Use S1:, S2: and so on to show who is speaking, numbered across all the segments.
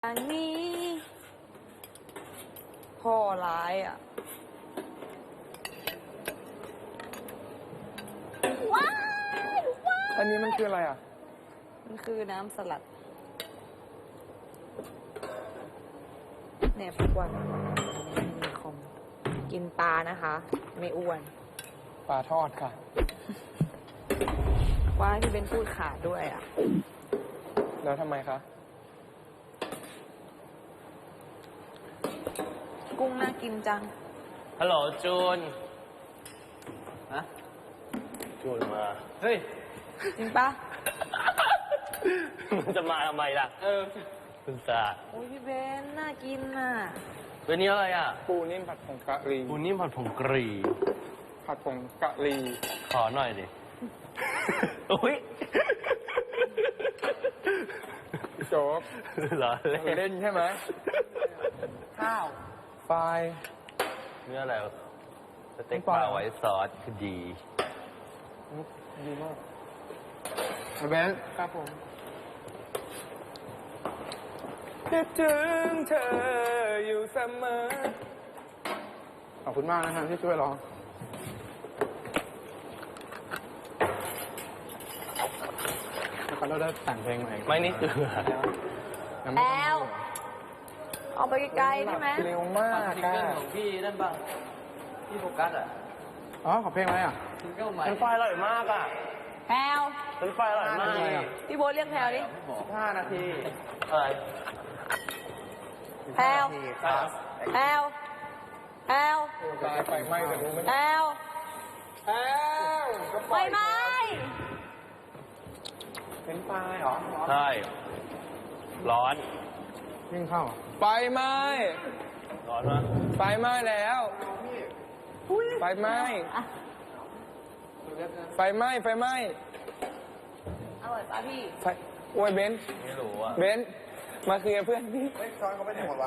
S1: อันนี้พ่อร้ายอ่ะว้ายว้าย
S2: อันนี้มันคืออะไรอ่ะ
S1: มันคือน้ำสลัดเนี่ยทุกวันมีคอมกินปลานะคะ ไม่อ้วน
S2: ปลาทอดค่ะ
S1: ว่าที่เป็นพูดขาดด้วยอ่ะ
S2: แล้วทำไมคะ
S1: กุ้งน่ากินจัง
S3: ฮัลโหลจูน ฮะ จูนมา เฮ้ย
S1: จริงปะ
S3: มันจะมาทำไมล่ะ คุณตา
S1: โอ้ยพี่เบนน่ากินน่ะ
S3: วันนี้อะไรอ่ะ
S2: ปูนิ่มผัดผงกะหรี่
S3: ปูนิ่มผัดผงกะหรี่
S2: ผัดผงกะหรี่
S3: ขอหน่อยดิ อุ้ย
S2: พี่โจ๊ก
S3: เหรอ
S2: เล่นใช่ไหม
S1: ข้าว
S2: ไฟ
S3: เนื้ออะไรสเต็กปลาไว้ซอสคือดี
S2: ดีมากเบนครับผมคิดถึงเธออยู่เสมอ ขอบคุณมากนะครับที่ช่วยร้องแล้วก็เราได้แต่งเพลงใหม่
S3: ไม่นี่คือ
S2: ยังไม่ต้อง
S1: แอล เอาไปไกลๆได้ไหม
S2: เร็วมาก
S3: ซิงเกิลของพี่นั่นป่ะพี่โฟกัสอ่ะ
S2: อ๋อขอเพลงอะไรอ่ะ
S3: ซิงเกิลใหม่เป็นไฟอร่อยมากอ่ะ
S1: แพลว
S3: เป็นไฟอร่อยมาก
S1: พี่โบ๊ทเรียกแพลวดิ
S2: 15 นาที
S3: อะไร
S1: แพลว
S3: ครับ
S1: แพลวแพลว
S2: ตายไฟไหม้แต่รู้ไหม
S1: แพลว
S2: แอ้วก็ป
S1: ไฟ
S2: ล่อย
S1: ไหม้
S2: เป็นไฟเหรอ
S3: ใช่ ร้อน
S2: ยิ่งเข้าไฟไหม้
S3: ร้อนมาก
S2: ไฟไหม้แล้วไฟไหม้
S1: อ่ะ
S2: ไฟไหม้ไฟไหม้
S1: อร่อยปะพี่
S2: ไฟโอ้ยเบนซ์
S3: ไม่รู้อ่ะ
S2: เบนซ์มาเคลียร์เพื่อนพี่
S4: ช้อนเขาไม่ได้หมดวะ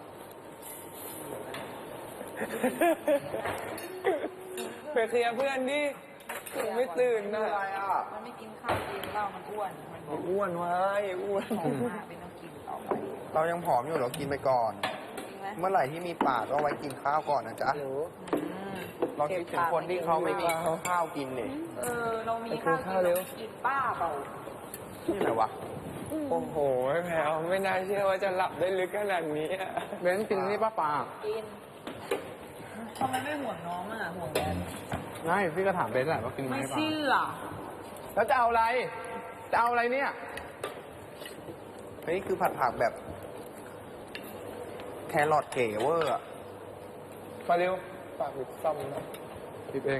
S2: ไปเคลียร์เพื่อนดิยังไม่ตื่นนะ
S4: อะไรอ่ะ
S1: มันไม่กินข้าวกินเหล้ามันอ้วน มันบอก
S2: อ้วนวะอ้วน
S1: ของมากเป็นต้องกินต่อไป
S4: เรายังผอมอยู่เรากินไปก่อน
S1: จริงไหม
S4: เมื่อไหร่ที่มีปากก็ไว้กินข้าวก่อนนะจ๊ะ
S1: อืม
S4: ลองคิดถึงคนที่เขาไม่มีข้าวกินเนี่ย
S1: เรามีข้าวกินเรากินป้าเปล่า
S4: ที่ไหนวะ
S2: โอ้โหแพลวไม่น่าเชื่อว่าจะหลับได้ลึกขนาดนี้อะเบนซ์กินนี่ป้าปา
S1: กินทำไมไม่ห่วงน้องอ่ะ ห่วงแดน
S2: ไม่พี่ก็ถามเบนซ์แหละว่ากินไหม
S1: ไม่
S2: ป้า
S1: เชื่อ
S2: แล้วจะเอาอะไร จะเอาอะไรเนี่ย
S4: อันนี้คือผัดผักแบบ แครอทเก๋เวอร์อะ
S2: มาเร็วฝากบิดซ่อมนะบิดเอง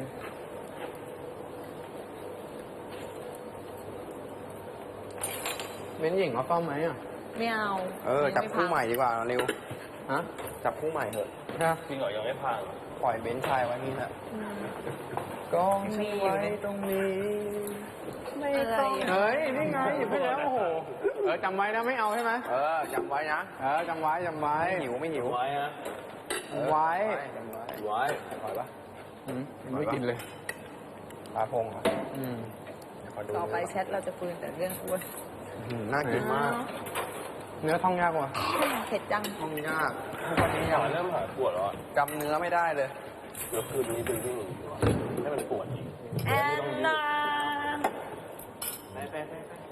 S2: เบนซ์หญิงเอาซ่อมไหมอ่ะ
S1: ไม่เอา
S4: จับคู่ใหม่ดีกว่าเร็ว
S2: ฮะ
S4: จับคู่ใหม่เถอะ
S2: ใช่
S3: จริงเหรอยังไม่พัง
S4: ปล่อยเบนซ์ชายไว้นี่แหละ
S1: อืม
S2: กล้อง
S1: มีอยู่
S2: ไว้ตรงนี้
S1: ไม่ต้อง
S2: เฮ้ย นี่ไงหยิบไปแล้ว โอ้โห จำไว้นะไม่เอาใช่ไหม
S4: จำไว้นะ
S2: จำไว้จำไว้
S4: ไม่หิวไม่หิว
S3: ไว้ฮะ
S2: จำไว้
S4: จำไว้
S3: ไว้
S4: ปล่อยปะ
S2: ยังไม่กินเลย
S4: ปลาพงเหรอ
S2: อืม
S4: เดี๋ยวขอดู
S1: ต่อไปแชทเราจะคุยแต่เรื่องอ้วน
S4: น่ากินมาก
S2: เนื้อท่องยากกว่า
S1: เผ็ดจัง
S4: ต้องยากทุกวันนี้
S3: ห
S4: ยัง
S3: อยเริ่มหายปวดแล้วอะ
S4: จำเนื้อไม่ได้เลย
S3: เดี๋ยวคืนนี้เป็นที่หนึ่งดีกว่าให้มันปวดอีก
S1: แอนนา
S3: ไป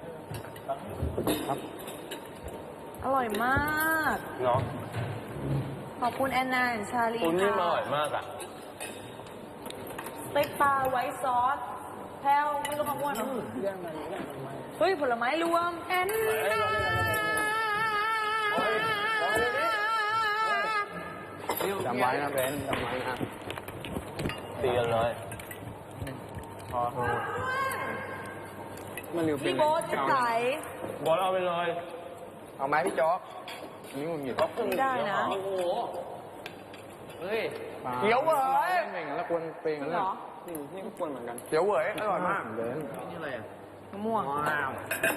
S1: อร่อยมาก
S3: เนาะ
S1: ขอบคุณแอนนาและชาลี
S3: ปูนิ่มอ
S1: ค่ะ
S3: ร่อยมากอ่ะ
S1: สเต็กปลาไว้ซอสแพลวไม่รู้คำว่าเนอะเฮ้ย ผลไม้รวมแอนนา
S2: จำไว้นะเบนจำไว้นะ
S3: ตีกันเลย
S2: มันเร็วเป็น
S1: พี่โบ๊ทจะใส่
S3: บอลเอาไปเลย
S4: เอาไหมพี่จ๊อก
S2: อันนี้มันหยิบ
S1: ไม่ได้นะ
S3: โอ้โห เฮ้ย
S4: เดี๋ยวเว้ย
S2: เองแล้วควรเป็น
S1: จริ
S2: กัน
S1: ง
S2: เล
S1: เหร
S2: ย
S1: อ
S2: นี่ก็ควรเหมือนกัน
S4: เดี๋ยวเว้ยอร่อยมาก
S2: เบน
S3: นี่อะไรอ่ะ
S1: มะม่วง
S4: ว้าว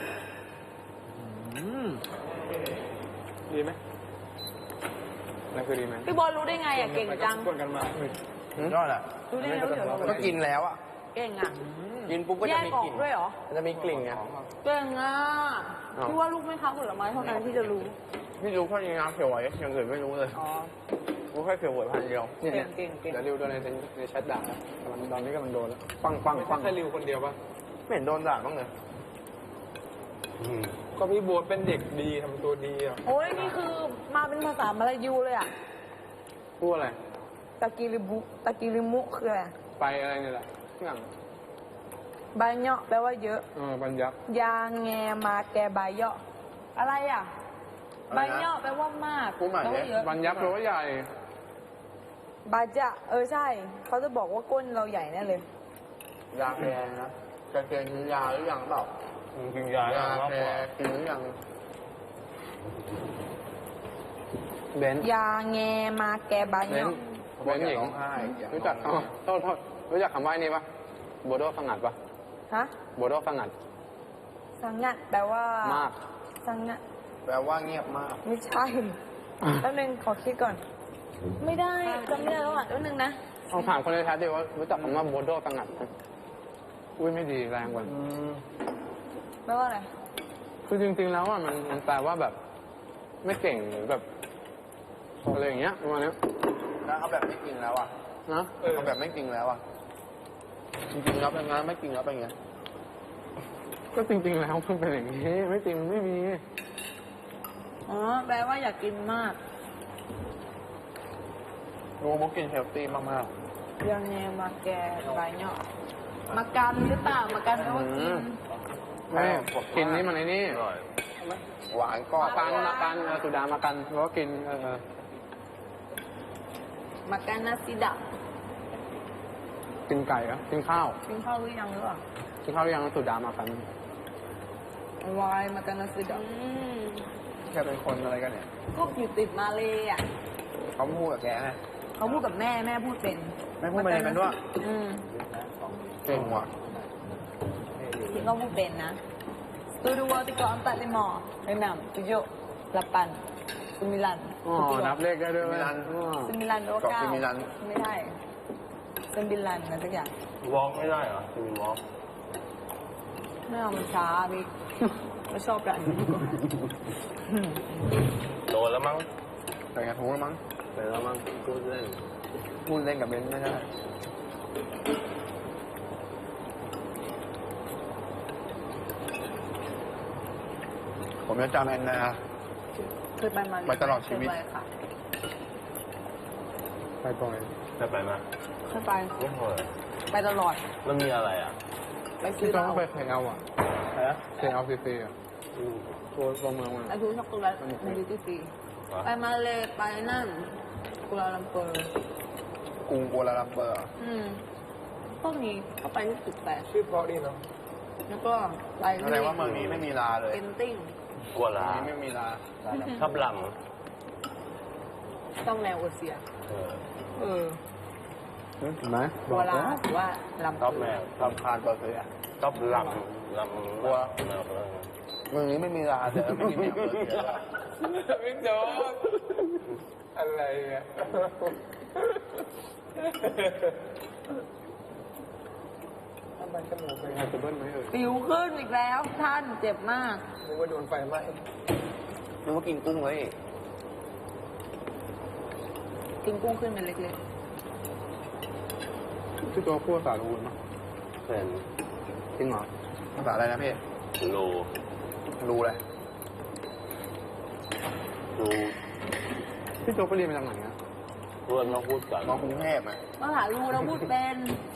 S2: ดีไหมนั่นคือดีไหม
S1: พี่โบ๊ทรู้ได้ไงอ่ะ เก่งจัง
S2: ควรกันมา
S4: ยอดอ่ะ
S1: รู้ได้ไงว่าเดี๋ยวเรา
S4: ก็กินแล้วอ่ะ
S1: เก่งอ่ะ
S4: กินปุ๊บก็
S1: แย
S4: จะ
S1: ก
S4: มี
S1: ออก
S4: กลิ่น
S1: ด้วยเหรอ
S4: มันจะมีกลิ่นไง
S1: เก่งอ่ะ
S4: อ้าว
S1: พี่ว่าลูกไม่ค้าผลไม้เท่านั้นที่จะรู้
S2: พี่รู้แค่นี้นะเขียวไหวอย่างอื่นไม่รู้เลย
S1: อ๋อ
S2: รู้แค่เขียวไหวพันเดียวเนี่ย
S1: เก่ง
S2: เดี๋ยวริวโดนในแชทด่าแล้วกำลังตอนนี้กำลังโดนแล้วปัง
S5: ไม่
S2: ปังปัง
S5: ใช่ริวคนเดียวปะ
S4: ไม่เห็นโดนด่าบ้างเลย
S5: ก็พี่โบ๊ทเป็นเด็กดีทำตัวดีอ่ะ
S1: โอ้ยนี่คือมาเป็นภาษามลายูเลยอ่ะ
S2: พูดอะไร
S1: ตะกิริมุคืออะไร
S2: ไปอะไรเนี่ยแหละอย่าง
S1: ใบเนาะแปลว่าเยอะ
S2: บรรยับ
S1: ยาแงมาแกใบเยาะอะไรอ่ะ
S4: อะไรนะ
S1: ใบเนาะแปลว่ามาก
S4: พูดใหม่
S1: แปล
S4: ดิ
S1: ว่าเยอะ
S2: บรรยับแปลว่าใหญ่
S1: บาจะใช่ เขาจะบอกว่าก้นเราใหญ่แน่เลย
S4: ยาแกนะแกกินยาหรือยังเปล่า
S3: กินยาย
S4: า
S3: มาก
S4: แก
S3: กว่า
S4: กินหรือยัง
S2: เบนซ์
S1: ยาแงมาแกใบ
S2: เบน
S1: เนาะ
S2: ซ์เบนซ์หญิง
S4: ร้องไห้อย่า
S2: รู้จัก
S4: ร้องไห้
S2: โทษรู้จักคำว่านี่ปะโบโดสงัดปะ
S1: ฮะ
S2: โบโดสงัด
S1: สังงัดแปลว่าม
S2: าก
S1: สังงัด
S4: แปลว่าเงียบมาก
S1: ไม่ใช่แป๊บนึงขอคิดก่อน ไม่ได้จำไม่ได้แล้วอ่ะแป๊บนึงนะ
S2: ลองถามคนในแชทดิว่ารู้จักคำว่าโบโดสงัดไหมอุ้ยไม่ดีแรงกว่า
S1: แปลว่าอะไร
S2: คือจริงๆแล้วอ่ะมันแปลว่าแบบ ไม่เก่งหรือแบบอะไรอย่างเงี้ยประมาณเนี้ย
S4: แล้วเอาแบบไม่กินแล้วอ่ะ
S2: นะ
S4: เอาแบบไม่กินแล้วอ่ะ จริงๆแล้วเป็นไงไม่กินแล้วเป็นไง
S2: ก็จริงๆแล้วมันเป็นอย่างนี้ไม่จริงไม่มี
S1: อ๋อ แปลว่าอยากกินมาก
S4: รู้มุกกินเฮลตี้มาก
S1: ยาแงมาแกใบเนาะมากันหรือเปล่ามากันแปลว่ากิน
S2: ไม่กินนี่มันไอ้นี่
S3: อร่อย
S4: ๆ หวานก็
S2: มากันสุดามากันแล้วก็กิน
S1: มากันนาซิดะ
S2: กินไก่อะกินข้าว
S1: กินข้าวหรือยังหรือเปล่า
S2: กินข้าวหรือยังสุดามากัน
S1: วายมากันนาซิดะ
S4: แค่เป็นคนอะไรกันเนี่ย
S1: ก็อยู่ติดมาเลยอ่ะ
S4: เขาพูดกับแกไง
S1: เขาพูดกับแม่แม่พูดเป็น
S4: แม่พูดมาเลยเป็นด้วย
S1: อืม
S4: เก่งว่ะ
S1: ที่เขาพูดเป็นนะDua, tiga, empat, lima, enam, tujuh, delapan, sembilan.
S2: อ๋อ นับเลขได้ด้วยไหม
S1: Sembilan, dua,
S4: เกาะ
S1: เก้า
S4: ซิมิลัน
S1: ไม่ได้ sembilan อะไรสักอย่าง
S3: วอล์กไม่ได้เหรอมีวอล์ก
S1: ไม่เอามันช้าพี่ไม่ชอบแบบนี้ดีกว่า
S3: โดนแล้วมั้ง
S4: แต่ไงถูกแล้วมั้ง
S3: ไปแล้วมั้งพูดเล่น
S4: พูดเล่นกับเบนซ์ไม่ได้ ผมจะจำแอนนา
S1: เคยไปมา
S4: ไปตลอดชีวิต
S1: เคยไปค่ะ
S2: ไปบ่อย
S3: ได้ไปไหม
S1: เคยไป
S3: ไม่เคย
S1: ไปตลอด
S3: มันมีอะไรอ่ะ
S1: ไปซื้
S2: ที่
S1: อเห
S2: ต้อง
S1: ล้า
S2: ไปเคลอ่ะ
S3: ฮะ
S2: KLCC อ่ะตัวเมืองมัน
S1: ไปซื้อช็อกโกแลตในดิวตี้ฟรีไปมาเลยไปนั่นกุลาลัมเปอร์
S4: กรุงกัวลาลัมเปอร์
S1: พวกนี้เขาไปที่ตึกแปด
S5: ชื่อเพราะดีเนาะ
S1: แล้วก็ไป
S4: แสดงว่าเมืองนี้ไม่มีลาเลย
S1: เอนติ้ง
S3: กลัว
S4: เมื
S3: ลา
S4: องนี้ไม่มีลา
S3: ชอบล
S1: ต้องแนวโอเชีย
S3: ำ
S1: เออ
S2: เห็นไหม
S1: กัวลาหรือว่าลำ
S3: ชอบแมว
S4: ลำคาญเปอร์เซีย
S3: ชอบลำกลัวแมว
S4: เมืองนี้ไม่มีลาแต่ไม่มีแมวเปอร์เซีย
S5: ไม่โดนอะไรเนี่ย ทำไมจมูกเป็นไง
S2: จะเบิ้ลไหมเอ่ย
S1: ปิวขึ้นอีกแล้วท่านเจ็บมาก
S5: นึกว่าโดนไฟไหม้
S4: นึกว่ากินกุ้งเลย
S1: กินกุ้งขึ้นเป็นเล็ก
S2: ที่ตัวพูดภาษาลูนมั้ง
S3: เป็น
S2: จริงเหรอ
S4: ภาษาอะไรนะพี่
S3: โล
S4: รู้เลย
S3: ดู
S2: พี่โจ๊กไปเรียนมาจากไหนอ่ะ
S3: เพื่อนมาพูดกัน
S4: มากรุงเทพไหม
S1: ๆมาหาลูเราพูดเป็น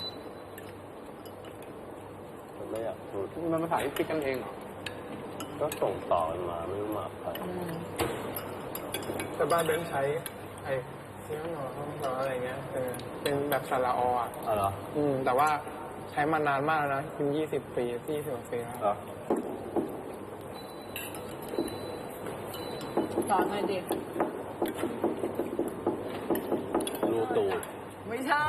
S3: มันไม่อยากพูด
S2: มันภาษาที่คิดกันเองเหรอ
S3: ก็ส่งต่อกันมาไม่รู้มาใคร
S5: แต่บ้านเบนซ์ใช้ไอ้เสียงหนอห้องหนออะไรเงี้ยเป็นแบบสระออ่ะ
S3: อ๋อเหรอ
S5: แต่ว่าใช้มานานมากแล้วนะเป็น20 ปี20กว่าปีแล้ว
S3: เหรอ
S1: สอนหน่อยดิ
S3: รูตูด
S1: ไม่ใช่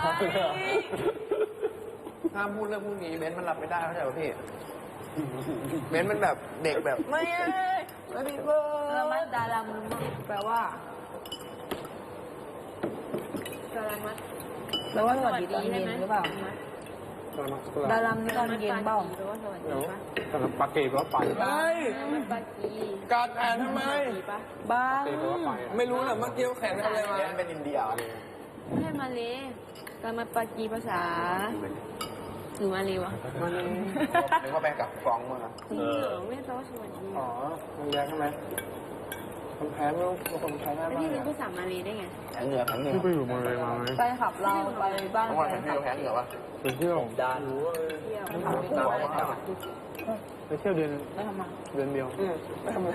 S4: ห้ามพูดเรื่องพวกนี้เบนซ์มันรับไม่ได้เข้าใจป่ะพี่ เบนซ์มันแบบเด็กแบบ
S1: ไม่ไม่เบอร์ละมัดดารามันแปลว่าดารามัดแปลว่าสวัสดีตอนเย็นหรือเปล่าดารัมนี่ตอนเย็นเปล่า
S5: เดี๋ยวสำหรับปาเกตก็ไป
S2: เฮ้ย
S1: มันปากี
S2: การแอนทำไม
S1: บ้า
S5: ปาเกตก็ไป
S2: ไม่รู้นะเมื่อกี้แขนทำอะไรมา
S4: เป็นอินเดีย
S1: ไม่ใช่มาเลยการมาปากีภาษาหรือมาเลยวะ
S4: นึกว่าไปกับฟรองก์มา
S1: จริงเหรอไม่ต้องสวัสดี
S5: อ๋อมันแรงใช่ไหมคนแพ้ไม่รู้คนแพ้ง่าย
S1: แล้ว
S5: มาก
S1: พี่
S5: เล
S1: รู้
S5: ย
S1: ภาษามาเลได้ไง
S4: แผงเหนือแผงเหนือ
S5: ที่ไปอยู่มาเลยมาไหม
S1: ไปขับเราไปบ้าน
S4: ทั้งวันแผงเหนือแผงเหนือวะ
S5: ไปเที่ยว
S3: ด้าน
S1: เที่ยว
S5: ไปเที่ยวเดือน
S1: แล้วทำไม
S5: เดือนเดียว
S2: ไม่ทำอะไร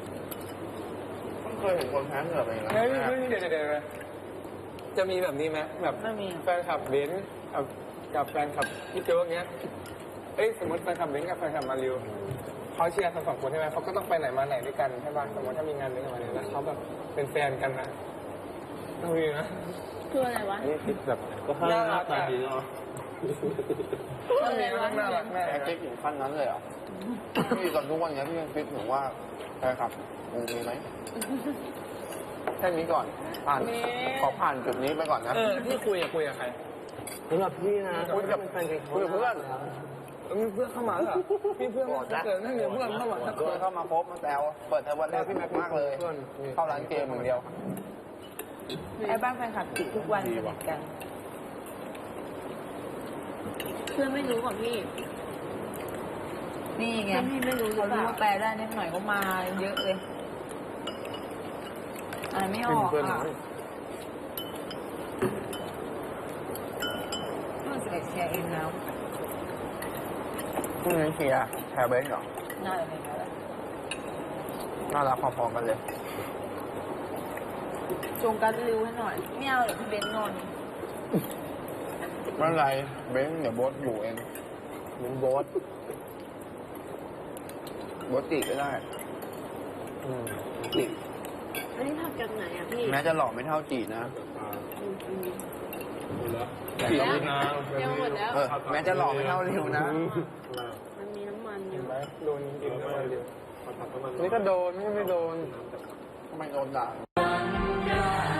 S4: เคยเห็นคนแผงเหนือไปแล้ว
S2: เฮ้ยเดี๋ยวจะมีแบบนี้ไหมแบบ
S1: ไม่มี
S2: แฟนคลับเบนซ์กับแฟนคลับพี่โจ๊กเงี้ยเอ้ยสมมติแฟนคลับเบนซ์กับแฟนคลับมาริวเขาเชียร์ทั้งสองคนใช่ไหมเขาก็ต้องไปไหนมาไหนด้วยกันใช่ป่ะสมมติถ้ามีงานเลี้ยงกันมาเนี่ยแล้วเขาแบบเป็นแฟนกันนะต้องมีนะ
S1: คืออะไรวะ
S5: อันนี้คิดแบบ
S3: ก็ให้หน้าตาดีเนาะ
S2: ต้องมีน่ารักแน่
S4: แผงคิดถึงขั้นนั้นเลยเหรอพี่ก่อนทุกวันนี้พี่ยังคิดถึงว่าใช่ครับมีไหมแค่นี้ก่อนผ่านขอผ่านจุดนี้ไปก่อนนะ
S2: พี่คุยกับใคร
S3: สำหรับพี่นะ
S4: คุยกับเพื่อน
S2: มีเพื่อนเข้ามาเหรอมีเพื่อนมาเกิดนั่นเดี๋ยวเพื่อนเข้ามา
S4: เพื่อนเข้ามาพบมาแซวเปิดเทอมวันแรกพี่แม็กมากเลย เข้าร้านเกมอย่างเดียว
S1: ไอ้บ้านแฟนคลับติดทุกวันสนิทกันเพื่อนไม่รู้ของพี่ นี่ไงพี่ไม่รู้เขารู้ว่าแปลได้นิดหน่อยก็มาเยอะเลยอ่านไม่ออกอ่ะต้องสเก็ตแชร์เองแล้ว
S4: พรุ่งนี้เชียร์แชร์เบนซ์เหรอ
S1: น่าจะเป็นอะไร
S4: น่ารักพอๆกันเลย
S1: จงการริวให้หน่อยไม่เอาเดี๋ยวพี่เบนนอน
S4: ไม่เป็นไรเบนซ์เดี๋ยวโบ๊ทอยู่เอง
S3: เหมือนโบ๊ท
S4: โบ๊ทจีบก็ได้จีบ
S1: อันนี้ทำจากไหนอ่ะพี่
S4: แม้จะหล่อไม่เท่าจีบนะ
S5: จีบนาง
S1: ยังหมดแล้ว
S4: แม้จะหล่อไม่เท่าริวนะ
S1: มันมีน้ำมันอยู่
S5: ไหมโดนกินอะไรเดียวนี่ก็โดนไม่โดน
S4: ทำไมโดนด่า
S1: เ